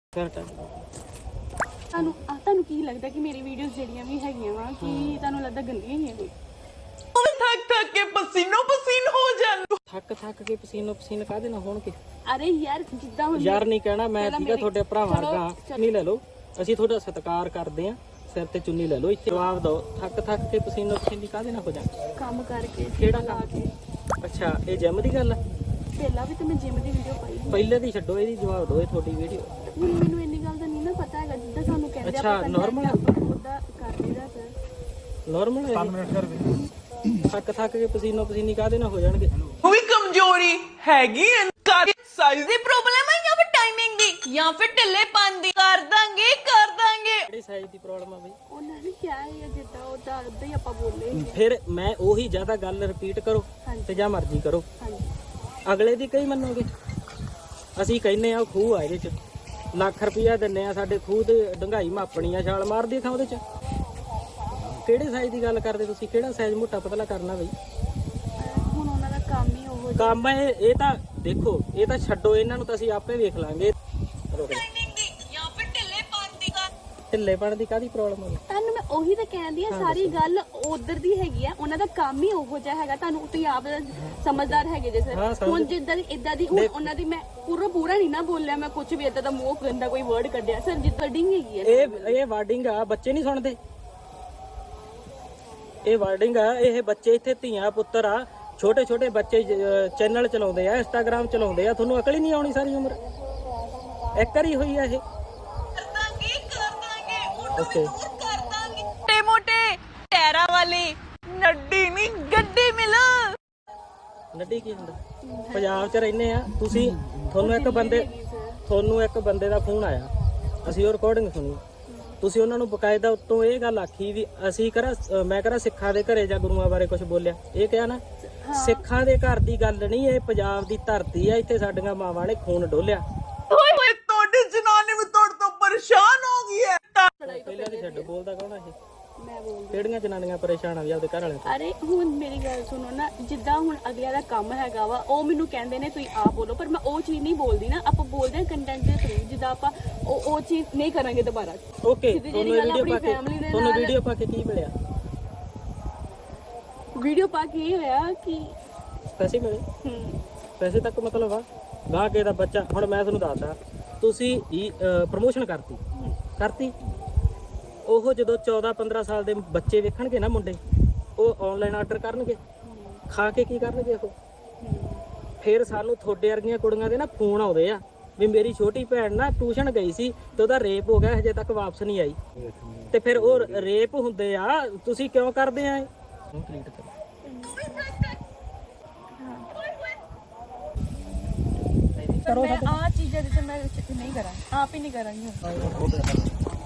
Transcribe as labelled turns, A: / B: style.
A: ਤੁਹਾਨੂੰ ਕੀ ਲੱਗਦਾ ਕਿ ਮੇਰੀ ਵੀਡੀਓਜ਼ ਜਿਹੜੀਆਂ ਵੀ ਹੈਗੀਆਂ ਵਾ ਕਿ ਤੁਹਾਨੂੰ ਲੱਗਦਾ ਗੰਦੀਆਂ ਹੀ ਆ ਕੋਈ?
B: थक थक के पसीनो पसीन हो जान
C: ਥੱਕ ਕੇ ਪਸੀਨੋ ਪਸੀਨ ਕਾਹਦੇ ਨਾਲ ਹੋਣਗੇ?
A: ਅਰੇ ਯਾਰ ਜਿੱਦਾਂ ਹੁਣ
C: ਯਾਰ ਨਹੀਂ ਕਹਿਣਾ ਮੈਂ
A: ਪਹਿਲਾਂ
C: ਠੀਕਾ ਤੁਹਾਡੇ ਭਰਾ
A: ਚਲੋ,
C: ਵਰਗਾ ਨਹੀਂ ਲੈ ਲਓ, ਅਸੀਂ ਤੁਹਾਡਾ ਸਤਿਕਾਰ ਕਰਦੇ ਆਂ, ਸਿਰ ਤੇ ਚੁੰਨੀ ਲੈ ਲਓ। ਇੱਥੇ ਜਵਾਬ ਦਿਓ, ਥੱਕ ਕੇ ਪਸੀਨੋ ਪਸੀਨੀ ਕਾਹਦੇ ਨਾਲ ਹੋ ਜਾ?
A: ਕੰਮ ਕਰਕੇ
C: ਕਿਹੜਾ
A: ਲਾ
C: ਕੰਮ?
A: ਕੇ
C: ਅੱਛਾ ਇਹ ਜਿਮ ਦੀ ਗੱਲ ਆ?
A: ਪਹਿਲਾਂ ਵੀ ਤਾਂ ਮੈਂ ਜਿਮ ਦੀ ਵੀਡੀਓ ਪਾਈ ਸੀ।
C: ਪਹਿਲੇ ਦੀ ਛੱਡੋ, ਇਹਦੀ ਜਵਾਬ ਦਿਓ। ਇਹ ਤੁਹਾਡੀ ਵੀਡੀਓ
A: ਹੁਣ ਮੈਨੂੰ ਇੰਨੀ ਗੱਲ ਦਾ ਨਹੀਂ ਨਾ ਪਤਾ ਹੈਗਾ, ਜਿੱਦਾਂ ਸਾਨੂੰ ਕਹਿੰਦੇ
C: ਅੱਛਾ, normal ਆ?
A: ਉਹਦਾ ਕਰ ਲਈਦਾ ਸਰ।
C: ਨਾਰਮਲ ਹੈ। ਥੱਕ ਕੇ ਪਸੀਨੋ ਪਸੀਨੀ ਕਾਹਦੇ ਨਾਲ ਹੋ ਜਾਣਗੇ?
B: कोई कमजोरी हैगी साइज दी प्रॉब्लम है या फिर टाइमिंग दी या फिर ढिल्लेपन दी कर ਦਾਂਗੇ
C: ਕਿਹੜੀ ਸਾਈਜ਼ ਦੀ ਪ੍ਰੋਬਲਮ ਆ ਬਈ?
A: ਉਹਨਾਂ ਨੇ ਕਿਹਾ ਹੈ ਜਿੱਦਾਂ ਉਹਦਾ ਉਦਾਂ ਹੀ ਆਪਾਂ ਬੋਲੇ।
C: ਫਿਰ ਮੈਂ ਉਹੀ ਜ਼ਿਆਦਾ ਗੱਲ ਰਿਪੀਟ ਕਰੋ ਤੇ ਜਾਂ ਮਰਜ਼ੀ ਕਰੋ,
A: ਹਾਂਜੀ
C: ਅਗਲੇ ਦੀ ਕਈ ਮੰਨੋਗੇ? ਅਸੀਂ ਕਹਿੰਨੇ ਆ ਖੂਹ ਆ ਇਹਦੇ ਚ ਲੱਖ ਰੁਪਇਆ ਦਿੰਨੇ ਆ, ਸਾਡੇ ਖੂਹ ਤੇ ਡੰਗਾਈ ਮਾਪਣੀ ਆ, ਛਾਲ ਮਾਰਦੀ ਥਾਂ ਉਹਦੇ ਚ। ਕਿਹੜੇ ਸਾਈਜ਼ ਦੀ ਗੱਲ ਕਰਦੇ ਤੁਸੀਂ? ਕਿਹੜਾ ਸਾਈਜ਼ ਮੋਟਾ ਪਤਲਾ ਕਰਨਾ ਬਈ?
A: ਹੁਣ ਉਹਨਾਂ ਦਾ ਕੰਮ ਹੀ ਉਹ
C: ਕੰਮ ਹੈ ਇਹ ਤਾਂ ਦੇਖੋ, ਇਹ ਤਾਂ ਛੱਡੋ, ਇਹਨਾਂ ਨੂੰ ਤਾਂ ਅਸੀਂ ਆਪੇ ਵੇਖ ਲਾਂਗੇ। ਢਿੱਲੇਪਣ ਦੀ ਕਾਹਦੀ ਪ੍ਰੋਬਲਮ ਆ?
A: ਤੁਹਾਨੂੰ ਮੈਂ ਉਹੀ ਤਾਂ ਕਹਿੰਦੀ ਆ, ਸਾਰੀ ਗੱਲ ਉਧਰ ਦੀ ਹੈਗੀ ਆ, ਉਹਨਾਂ ਦਾ ਕੰਮ ਹੀ ਉਹੋ ਜਿਹਾ ਹੈਗਾ। ਤੁਹਾਨੂੰ ਤੁਸੀਂ ਆਪ ਸਮਝਦਾਰ ਹੈਗੇ ਜੇ
C: ਹਾਂ,
A: ਸਰ।
C: ਸਮਝ-
A: ਹੁਣ ਜਿੱਦਾਂ ਦੀ ਇਦਾਂ ਦੀ ਹੁਣ ਉਹਨਾਂ ਦੀ ਮੈਂ ਪੂਰਾ ਨਹੀਂ ਨਾ ਬੋਲਿਆ, ਮੈਂ ਕੁਝ ਵੀ ਇਦਾਂ ਦਾ ਮੂੰਹ ਗੰਦਾ ਕੋਈ ਵਰਡ ਕੱਢਿਆ ਸਰ, ਜਿੱਦਾਂ ਵਰਡਿੰਗ ਹੈਗੀ ਆ।
C: ਇਹ ਵਾਰਡਿੰਗ ਆ, ਬੱਚੇ ਨਹੀਂ ਸੁਣਦੇ। ਇਹ ਵਾਰਡਿੰਗ ਆ, ਇਹ ਬੱਚੇ ਇੱਥੇ ਧੀਆਂ ਪੁੱਤਰ ਆ, ਛੋਟੇ ਛੋਟੇ ਬੱਚੇ ਚੈਨਲ ਚਲਾਉਂਦੇ ਆ, ਇੰਸਟਾਗ੍ਰਾਮ ਚਲਾਉਂਦੇ ਆ। ਤੁਹਾਨੂੰ ਅਕਲ ਹੀ ਨਹੀਂ ਆਉਣੀ ਸਾਰੀ ਉਮਰ? ਇੱਕ ਵਾਰੀ ਹੋਈ ਆ ਇਹ। ਓਕੇ
B: मोटे मोटे टैरा वाली नड्डी नहीं गड्डी मिल
C: ਨੱਡੀ ਕੀ ਹੁੰਦਾ? ਪੰਜਾਬ 'ਚ ਰਹਿੰਦੇ ਆ ਤੁਸੀਂ, ਤੁਹਾਨੂੰ ਇੱਕ ਬੰਦੇ ਦਾ ਫੋਨ ਆਇਆ, ਅਸੀਂ ਉਹ ਰਿਕਾਰਡਿੰਗ ਸੁਣੀ, ਤੁਸੀਂ ਉਹਨਾਂ ਨੂੰ ਬਕਾਇਦਾ ਉੱਤੋਂ ਇਹ ਗੱਲ ਆਖੀ ਵੀ ਅਸੀਂ ਮੈਂ ਸਿੱਖਾਂ ਦੇ ਘਰੇ ਜਾਂ ਗੁਰੂਆਂ ਬਾਰੇ ਕੁਝ ਬੋਲਿਆ। ਇਹ ਕਿਹਾ ਨਾ, ਸਿੱਖਾਂ ਦੇ ਘਰ ਦੀ ਗੱਲ ਨਹੀਂ, ਇਹ ਪੰਜਾਬ ਦੀ ਧਰਤੀ ਆ, ਇੱਥੇ ਸਾਡੀਆਂ ਮਾਵਾਂ ਨੇ ਖੂਨ ਡੋਲਿਆ।
B: तोड़े जनाने में तोड़ तो परेशान हो गई है
C: ਪਹਿਲਾਂ ਦੀ ਛੱਡ, ਬੋਲਦਾ ਕੌਣ ਆ ਇਹ?
A: ਮੈਂ ਬੋਲ
C: ਕਿਹੜੀਆਂ ਜਨਾਨੀਆਂ ਪਰੇਸ਼ਾਨ ਆ ਵੀ ਆਪਦੇ ਘਰ ਵਾਲਿਆਂ ਤੋਂ?
A: ਅਰੇ ਹੁਣ ਮੇਰੀ ਗੱਲ ਸੁਣੋ ਨਾ, ਜਿੱਦਾਂ ਹੁਣ ਅਗਲਿਆਂ ਦਾ ਕੰਮ ਹੈਗਾ ਵਾ, ਉਹ ਮੈਨੂੰ ਕਹਿੰਦੇ ਨੇ ਤੁਸੀਂ ਆਪ ਬੋਲੋ, ਪਰ ਮੈਂ ਉਹ ਚੀਜ਼ ਨਹੀਂ ਬੋਲਦੀ ਨਾ। ਆਪਾਂ ਬੋਲਦੇ ਹਾਂ ਕੰਟੈਂਟ ਦੇ ਥਰੂ, ਜਿੱਦਾਂ ਆਪਾਂ ਉਹ ਚੀਜ਼ ਨਹੀਂ ਕਰਾਂਗੇ ਦੁਬਾਰਾ।
C: ਓਕੇ,
A: ਸਿੱਧੀ
C: ਤੁਹਾਨੂੰ
A: ਜਿਹੀ ਗੱਲ
C: ਵੀਡੀਓ ਪਾ
A: ਆਪਣੀ family
C: ਕੇ
A: ਦੇ
C: ਤੁਹਾਨੂੰ
A: ਨਾਲ-
C: ਵੀਡੀਓ ਪਾ ਕੇ ਕੀ ਮਿਲਿਆ?
A: ਵੀਡੀਓ ਪਾ ਕੇ ਇਹ ਹੋਇਆ ਕਿ
C: ਪੈਸੇ ਮਿਲੇ? ਪੈਸੇ ਤੱਕ ਮਤਲਬ ਆ ਗਾਹ ਕੇ ਦਾ ਬੱਚਾ। ਹੁਣ ਮੈਂ ਤੁਹਾਨੂੰ ਦੱਸਦਾ, ਤੁਸੀਂ ਪ੍ਰਮੋਸ਼ਨ ਕਰਤੀ ਉਹ ਜਦੋਂ 14-15 ਸਾਲ ਦੇ ਬੱਚੇ ਵੇਖਣਗੇ ਨਾ ਮੁੰਡੇ, ਉਹ ਆਨਲਾਈਨ ਆਰਡਰ ਕਰਨਗੇ, ਖਾ ਕੇ ਕੀ ਕਰਨਗੇ ਉਹ? ਫਿਰ ਸਾਨੂੰ ਤੁਹਾਡੇ ਵਰਗੀਆਂ ਕੁੜੀਆਂ ਦੇ ਨਾ ਫੋਨ ਆਉਂਦੇ ਆ ਵੀ ਮੇਰੀ ਛੋਟੀ ਭੈਣ ਨਾ ਟਿਊਸ਼ਨ ਗਈ ਸੀ ਤੇ ਉਹਦਾ ਰੇਪ ਹੋ ਗਿਆ, ਹਜੇ ਤੱਕ ਵਾਪਸ ਨਹੀਂ ਆਈ। ਤੇ ਫਿਰ ਉਹ ਰੇਪ ਹੁੰਦੇ ਆ, ਤੁਸੀਂ ਕਿਉਂ ਕਰਦੇ ਆ ਇਹ?
A: ਮੈਂ ਆ ਚੀਜ਼ਾਂ ਦੇ ਤੇ ਮੈਂ ਨਹੀਂ ਕਰਾਂ, ਆਪ ਹੀ ਨਹੀਂ ਕਰਾਂਗੀ।